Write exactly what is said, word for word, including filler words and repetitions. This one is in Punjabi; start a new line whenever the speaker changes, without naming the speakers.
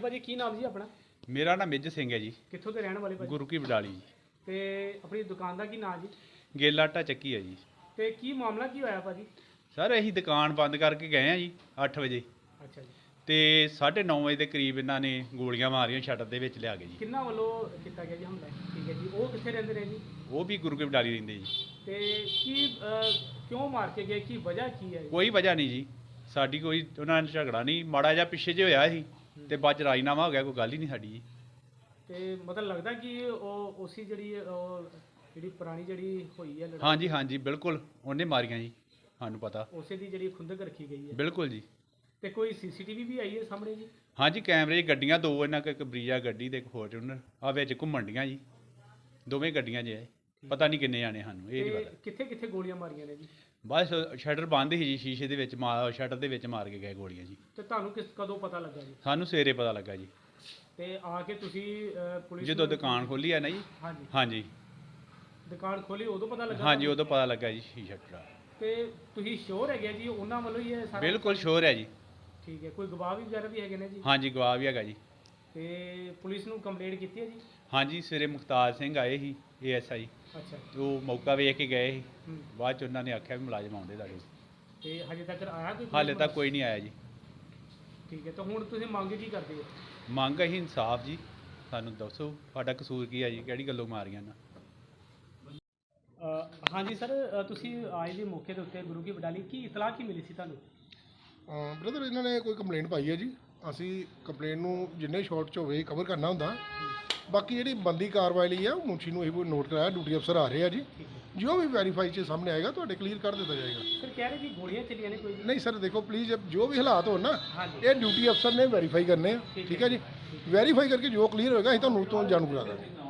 भाजी की नाम जी अपना?
मेरा नाम मिज सिंह है जी।
कित्थों के रहने वाले भाजी?
गुरु की बडाली जी।
ते अपनी दुकान का की नाम जी?
गेला आटा ਚੱਕੀ है जी।
ते की मामला की होया भाजी?
सर ਅਸੀਂ ਦੁਕਾਨ ਬੰਦ ਕਰਕੇ ਗਏ ਆ ਜੀ ਅੱਠ ਵਜੇ
अच्छा जी।
ਤੇ ਸਾਢੇ ਨੌ ਵਜੇ ਦੇ ਕਰੀਬ ਇਹਨਾਂ ਨੇ ਗੋਲੀਆਂ ਮਾਰੀਆਂ ਸ਼ਟਰ ਦੇ ਵਿੱਚ ਲਿਆ ਕੇ ਜੀ।
किन्ना वालों किया गया जी हमला? ठीक है जी। वो कितने रहते रहे जी?
ਉਹ ਵੀ ਗੁਰੂ ਕੀ ਬਡਾਲੀ ਰਹਿੰਦੇ ਜੀ।
ते की अ, क्यों मार के गए, की वजह की है?
ਕੋਈ ਵਜ੍ਹਾ ਨਹੀਂ ਜੀ, ਸਾਡੀ ਕੋਈ ਉਹਨਾਂ ਨਾਲ ਝਗੜਾ ਨਹੀਂ, ਮਾੜਾ ਜਿਹਾ ਪਿੱਛੇ ਜੇ ਹੋਇਆ ਸੀ ਤੇ ਬਾਅਦ ਚ ਰਾਜੀਨਾਮਾ ਹੋ ਗਿਆ, ਕੋਈ ਗੱਲ ਹੀ ਨਹੀਂ ਸਾਡੀ ਜੀ।
ਤੇ ਮਤਲਬ ਲੱਗਦਾ ਕਿ ਉਹ ਉਸੇ ਜਿਹੜੀ ਉਹ ਜਿਹੜੀ ਪੁਰਾਣੀ ਜਿਹੜੀ ਹੋਈ ਹੈ ਲੜਾਈ,
ਹਾਂਜੀ ਹਾਂਜੀ ਬਿਲਕੁਲ ਉਹਨੇ ਮਾਰੀਆਂ ਜੀ, ਸਾਨੂੰ ਪਤਾ।
ਉਸੇ ਦੀ ਜਿਹੜੀ ਖੁੰਦਕ ਰੱਖੀ ਗਈ ਹੈ।
ਬਿਲਕੁਲ ਜੀ।
ਤੇ ਕੋਈ ਸੀਸੀਟੀਵੀ ਵੀ ਆਈ ਹੈ ਸਾਹਮਣੇ ਜੀ?
ਹਾਂਜੀ ਕੈਮਰੇ 'ਚ ਗੱਡੀਆਂ ਦੋ ਇਹਨਾਂ ਕੋਲ, ਇੱਕ ਬਰੀਜਾ ਗੱਡੀ ਤੇ ਇੱਕ ਫੋਰਚੂਨਰ ਆ ਵਿੱਚ ਘੁੰਮਣ ਡੀਆਂ ਜੀ, ਦੋਵੇਂ ਗੱਡੀਆਂ 'ਚ ਹੈ। ਪਤਾ ਨਹੀਂ ਕਿੰਨੇ ਜਾਣੇ, ਸਾਨੂੰ ਇਹ ਨਹੀਂ
ਤੇ
ਪਤਾ।
ਕਿੱਥੇ ਕਿੱਥੇ ਗੋਲੀਆਂ ਮਾਰੀਆਂ ਨੇ ਜੀ?
ਬਸ ਸ਼ਟਰ ਬੰਦ ਸੀ ਜੀ, ਸ਼ੀਸ਼ੇ ਦੇ ਵਿੱਚ ਮਾਰ ਸ਼ਟਰ ਦੇ ਵਿੱਚ ਮਾਰ ਕੇ ਗਏ ਗੋਲੀਆਂ ਜੀ।
ਤੇ ਤੁਹਾਨੂੰ ਕਿਸ ਕਦੋਂ ਪਤਾ ਲੱਗਾ ਜੀ?
ਸਾਨੂੰ ਸਵੇਰੇ ਪਤਾ ਲੱਗਾ ਜੀ,
ਤੇ ਆ ਕੇ ਤੁਸੀਂ ਅ, ਪੁਲਿਸ
ਜਦੋਂ
ਨੂੰ-
ਦੁਕਾਨ ਖੋਲੀ ਆ ਨਾ ਜੀ।
ਹਾਂਜੀ,
ਹਾਂਜੀ
ਦੁਕਾਨ ਖੋਲੀ ਉਦੋਂ ਪਤਾ ਲੱਗਾ?
ਹਾਂਜੀ ਉਦੋਂ ਪਤਾ ਲੱਗਾ ਜੀ ਸ਼ੀਸ਼ਾ ਟੁੱਟਾ।
ਤੇ ਤੁਸੀਂ ਸ਼ੋਰ ਹੈਗੇ ਜੀ ਉਹਨਾਂ ਵੱਲੋਂ ਹੀ ਇਹ ਸਾਰਾ?
ਬਿਲਕੁਲ ਸ਼ੋਰ ਹੈ ਜੀ।
ਠੀਕ ਹੈ। ਕੋਈ ਗਵਾਹ ਵੀ ਵਗੈਰਾ ਵੀ ਹੈਗੇ ਨੇ ਜੀ?
ਹਾਂਜੀ ਗਵਾਹ ਵੀ ਹੈਗਾ ਜੀ।
ਤੇ ਪੁਲਿਸ ਨੂੰ ਕੰਪਲੇਂਟ ਕੀਤੀ ਹੈ ਜੀ?
ਹਾਂਜੀ ਸਵੇਰੇ ਮੁਖਤਾਰ ਸਿੰਘ ਆਏ ਸੀ ਏ ਐਸ ਆਈ,
ਅੱਛਾ।
ਉਹ ਮੌਕਾ ਵੇਖ ਕੇ ਗਏ ਸੀ।
ਹੂੰ।
ਬਾਅਦ ਚ ਉਹਨਾਂ ਨੇ ਆਖਿਆ ਵੀ ਮੁਲਾਜ਼ਮ ਆਉਂਦੇ ਤੁਹਾਡੇ।
ਤੇ ਹਜੇ ਤੱਕ ਆਇਆ ਕੋਈ?
ਹਾਲੇ ਤੱਕ ਕੋਈ ਨਹੀਂ ਆਇਆ ਜੀ।
ਠੀਕ ਹੈ। ਤਾਂ ਹੁਣ ਤੁਸੀਂ ਮੰਗ ਕੀ ਕਰਦੇ ਹੋ?
ਮੰਗ ਅਸੀਂ ਇਨਸਾਫ ਜੀ, ਸਾਨੂੰ ਦੱਸੋ ਸਾਡਾ ਕਸੂਰ ਕੀ ਆ ਜੀ, ਕਿਹੜੀ ਗੱਲੋਂ ਮਾਰੀਆਂ ਨਾ।
ਹਾਂਜੀ ਸਰ, ਤੁਸੀਂ ਆਏ ਜੀ ਮੌਕੇ ਦੇ ਉੱਤੇ ਗੁਰੂ ਕੀ ਬਡਾਲੀ, ਕੀ ਇਤਲਾਹ ਕੀ ਮਿਲੀ ਸੀ ਤੁਹਾਨੂੰ?
ਬ੍ਰਦਰ ਇਹਨਾਂ ਨੇ ਕੋਈ ਕੰਪਲੇਂਟ ਪਾਈ ਹੈ ਜੀ। ਅਸੀਂ ਕੰਪਲੇਂਟ ਨੂੰ ਜਿੰਨੇ ਸ਼ਾਰਟ 'ਚ ਹੋਵੇ ਕਵਰ ਕਰਨਾ ਹੁੰਦਾ। ਬਾਕੀ ਜਿਹੜੀ ਬੰਦੀ ਕਾਰਵਾਈ ਲਈ ਆ ਉਹ ਮੁਨਸ਼ੀ ਨੂੰ ਇਹ ਨੋਟ ਕਰਾਇਆ, ਡਿਊਟੀ ਅਫਸਰ ਆ ਰਹੇ ਆ ਜੀ। ਜੋ ਵੀ ਵੈਰੀਫਾਈ 'ਚ ਸਾਹਮਣੇ ਆਏਗਾ ਤੁਹਾਡੇ ਕਲੀਅਰ ਕਰ ਦਿੱਤਾ ਜਾਏਗਾ।
ਸਰ ਕਹਿ ਰਹੇ ਕਿ ਗੋਲੀਆਂ ਚੱਲੀਆਂ ਨੇ ਕੋਈ?
ਨਹੀਂ ਸਰ ਦੇਖੋ ਪਲੀਜ਼, ਜੋ ਵੀ ਹਾਲਾਤ ਹੋਣ ਨਾ
ਹਾਂਜੀ।
ਇਹ ਡਿਊਟੀ ਅਫਸਰ ਨੇ ਵੈਰੀਫਾਈ ਕਰਨੇ ਆ। ਠੀਕ ਹੈ ਜੀ, ਵੈਰੀਫਾਈ ਕਰਕੇ ਜੋ ਕਲੀਅਰ ਹੋਏਗਾ ਅਸੀਂ ਤੁਹਾਨੂੰ ਤੋਂ ਜਾਣੂ ਕਰਾ ਦਾਂਗੇ।